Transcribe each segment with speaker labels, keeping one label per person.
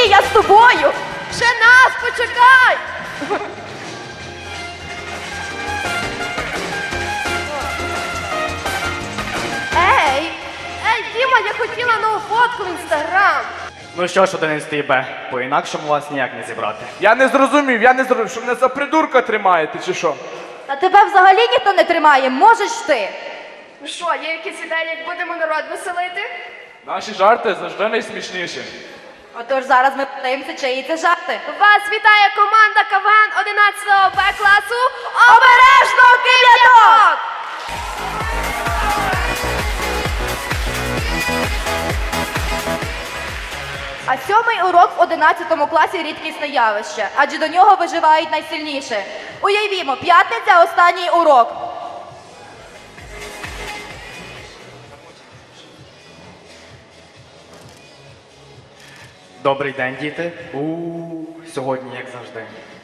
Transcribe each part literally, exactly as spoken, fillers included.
Speaker 1: я з тобою.
Speaker 2: Ще нас, почекай! Ей! Ей, Діма, я хотіла нову фотку в інстаграм.
Speaker 3: Ну що ж, одинадцятий Б, по-інакшому вас ніяк не зібрати.
Speaker 4: Я не зрозумів, я не зрозумів, що мене за придурка тримаєте, чи що?
Speaker 1: Та тебе взагалі ніхто не тримає, можеш ти.
Speaker 2: Ну що, є якісь ідеї, як будемо народ веселити?
Speaker 4: Наші жарти завжди найсмішніші.
Speaker 1: Отож зараз ми подивимося, чиї це жарти.
Speaker 2: Вас вітає команда КВН одинадцятого Б класу
Speaker 1: Обережно, кип'яток! А сьомий урок в одинадцятому класі рідкісне явище, адже до нього виживають найсильніше. Уявімо, п'ятниця – останній урок.
Speaker 3: Добрий день, діти. У сьогодні, як завжди.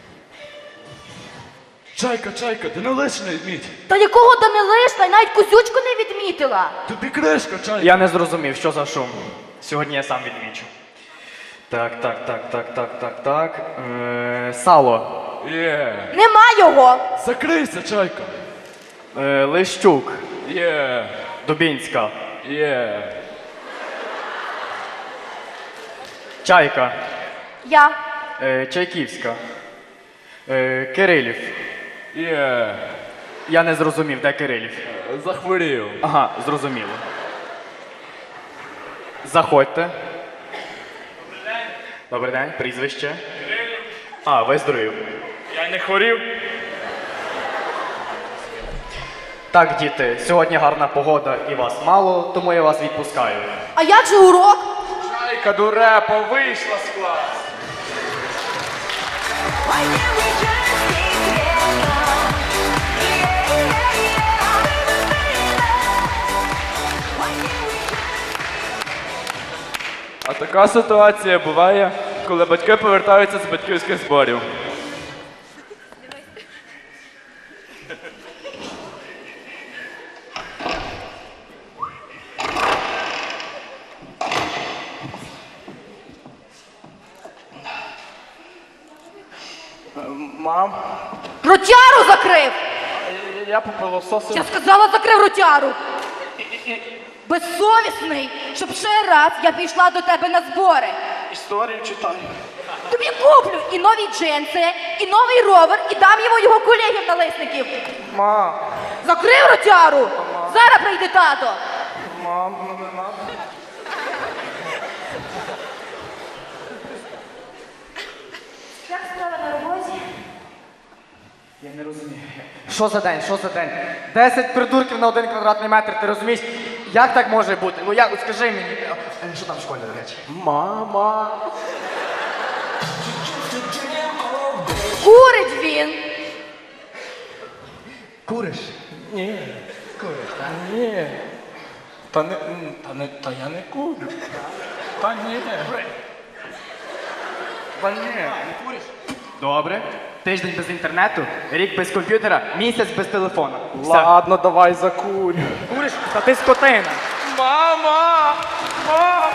Speaker 4: Чайка, чайка, ти не лиш не вміть.
Speaker 1: Та якого Данилишна, навіть кузючку не відмітила.
Speaker 4: Тобі кришка, чайка.
Speaker 3: Я не зрозумів, що за шум. Сьогодні я сам відмічу. Так, так, так, так, так, так, так. Е, сало.
Speaker 4: Є.
Speaker 1: Нема його.
Speaker 4: Закрийся, чайка.
Speaker 3: Е, Лищук.
Speaker 4: Є.
Speaker 3: Дубінська.
Speaker 4: Є.
Speaker 3: Чайка.
Speaker 1: Я.
Speaker 3: Е, Чайківська. Е, Кирилів.
Speaker 4: Є.
Speaker 3: Я не зрозумів, де Кирилів.
Speaker 4: Захворів.
Speaker 3: Ага, зрозуміло. Заходьте. Добрий день, прізвище. А, ви здоровів.
Speaker 4: Я не хворів.
Speaker 3: Так, діти, сьогодні гарна погода і вас мало, тому я вас відпускаю.
Speaker 1: А як же урок?
Speaker 4: Чайка, дурепа, вийшла з класу. А така ситуація буває, коли батьки повертаються з батьківських зборів. Мам,
Speaker 1: Ротяру закрив!
Speaker 4: я попилососив.
Speaker 1: Я сказала, закрив ротяру! Безсовісний, щоб ще раз я пішла до тебе на збори.
Speaker 4: Історію читаю.
Speaker 1: Тобі куплю і нові джинси, і новий ровер, і дам його його колегів-налисників.
Speaker 4: Мам,
Speaker 1: Закрив ротяру! Зараз прийде тато.
Speaker 4: мам, ну не надо.
Speaker 1: Як справа на роботі?
Speaker 3: Я не розумію. Що за день? Що за день? Десять придурків на один квадратний метр, ти розумієш? Як так може бути? Ну як, скажи мені. Е, Що там в школі, до речі?
Speaker 4: Мама.
Speaker 1: Курить він!
Speaker 3: Куриш?
Speaker 4: Ні.
Speaker 3: Куриш, так?
Speaker 4: Ні. Та не, м, та не, та я не курю. Та ні. Та ні.
Speaker 3: Добре. Тиждень без інтернету, рік без комп'ютера, місяць без телефону. Все.
Speaker 4: Ладно, давай закурю.
Speaker 3: Куриш? Та ти скотина.
Speaker 4: Мама! Мама!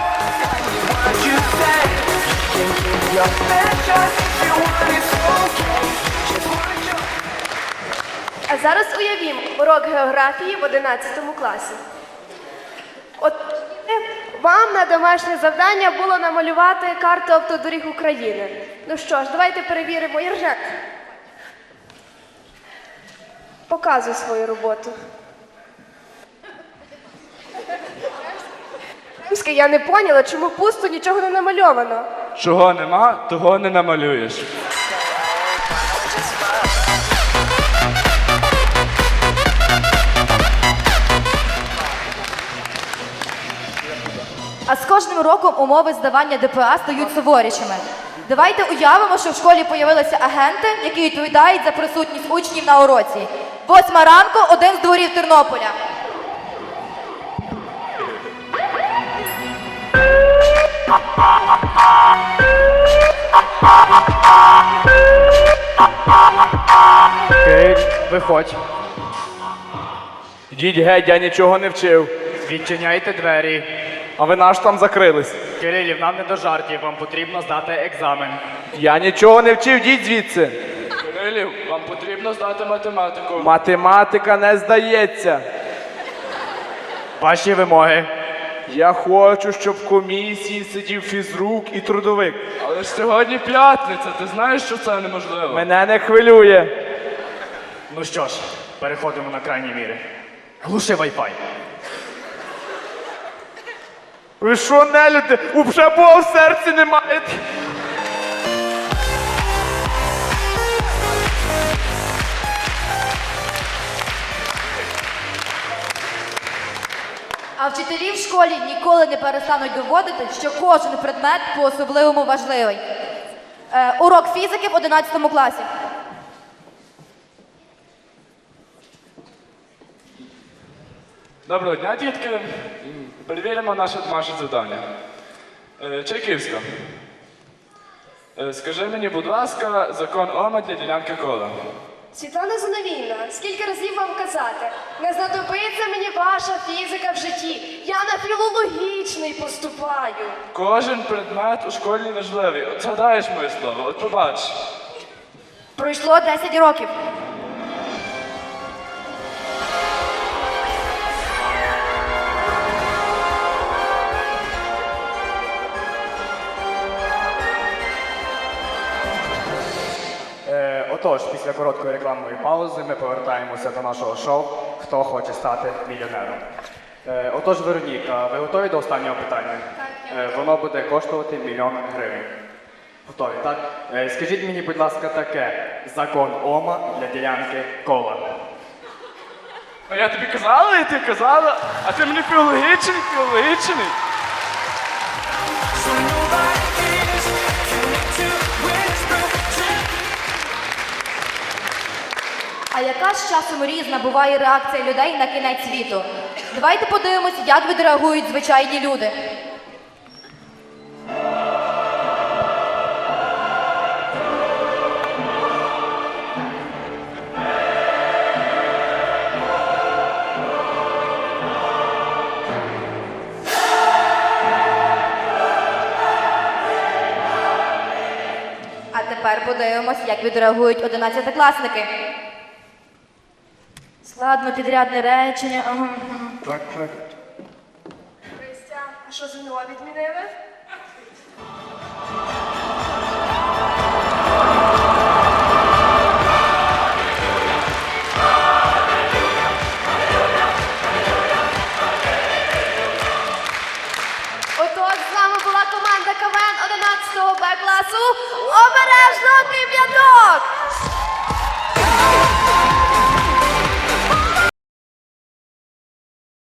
Speaker 2: А зараз уявімо урок географії в одинадцятому класі. От е, вам на домашнє завдання було намалювати карту автодоріг України. Ну що ж, давайте перевіримо. Єржак, показуй свою роботу. Я не поняла, чому пусто, нічого не намальовано.
Speaker 4: Чого нема, того не намалюєш.
Speaker 1: А з кожним роком умови здавання ДПА стають суворішими. Давайте уявимо, що в школі появилися агенти, які відповідають за присутність учнів на уроці. Восьма ранку, один з дворів Тернополя.
Speaker 3: Окей, виходь.
Speaker 4: Йдіть геть, я нічого не вчив.
Speaker 3: Відчиняйте двері.
Speaker 4: А ви наш там закрились.
Speaker 3: Кирилів, нам не до жартів, вам потрібно здати екзамен.
Speaker 4: Я нічого не вчив, йдіть звідси. Кирилів, вам потрібно здати математику. Математика не здається.
Speaker 3: Ваші вимоги.
Speaker 4: Я хочу, щоб в комісії сидів фізрук і трудовик. Але ж сьогодні п'ятниця, ти знаєш, що це неможливо. Мене не хвилює.
Speaker 3: Ну що ж, переходимо на крайні міри. Глуши Wi-Fi.
Speaker 4: Ви що, нелюди? Уже Бога в серці не маєте?
Speaker 1: А вчителі в школі ніколи не перестануть доводити, що кожен предмет по-особливому важливий. Е, урок фізики в одинадцятому класі.
Speaker 4: Доброго дня, дітки. Перевіримо наше домашнє завдання. Е, Чайківська. Е, Скажи мені, будь ласка, закон Ома для ділянки кола.
Speaker 2: Світлана Зиновійовна, скільки разів вам казати? Не знадобиться мені ваша фізика в житті. Я на філологічний поступаю.
Speaker 4: Кожен предмет у школі важливий. От згадаєш моє слово, от побач.
Speaker 1: Пройшло десять років.
Speaker 3: Е, отож, після короткої рекламної паузи ми повертаємося до нашого шоу «Хто хоче стати мільйонером». Е, отож, Вероніка, ви готові до останнього питання? Е, воно буде коштувати мільйон гривень. Готові, так? Е, скажіть мені, будь ласка, таке. Закон Ома для ділянки кола.
Speaker 4: А я тобі казала, і ти казала, а ти мені філологічний, філологічний.
Speaker 1: А яка ж часом різна буває реакція людей на кінець світу? Давайте подивимось, як відреагують звичайні люди. А тепер подивимось, як відреагують одинадцятикласники. Складно підрядне речення. Ага.
Speaker 3: Так, так.
Speaker 2: Христя, а що ЗНО відмінили? Отож, з вами була команда КВН одинадцятого Б класу. Обережно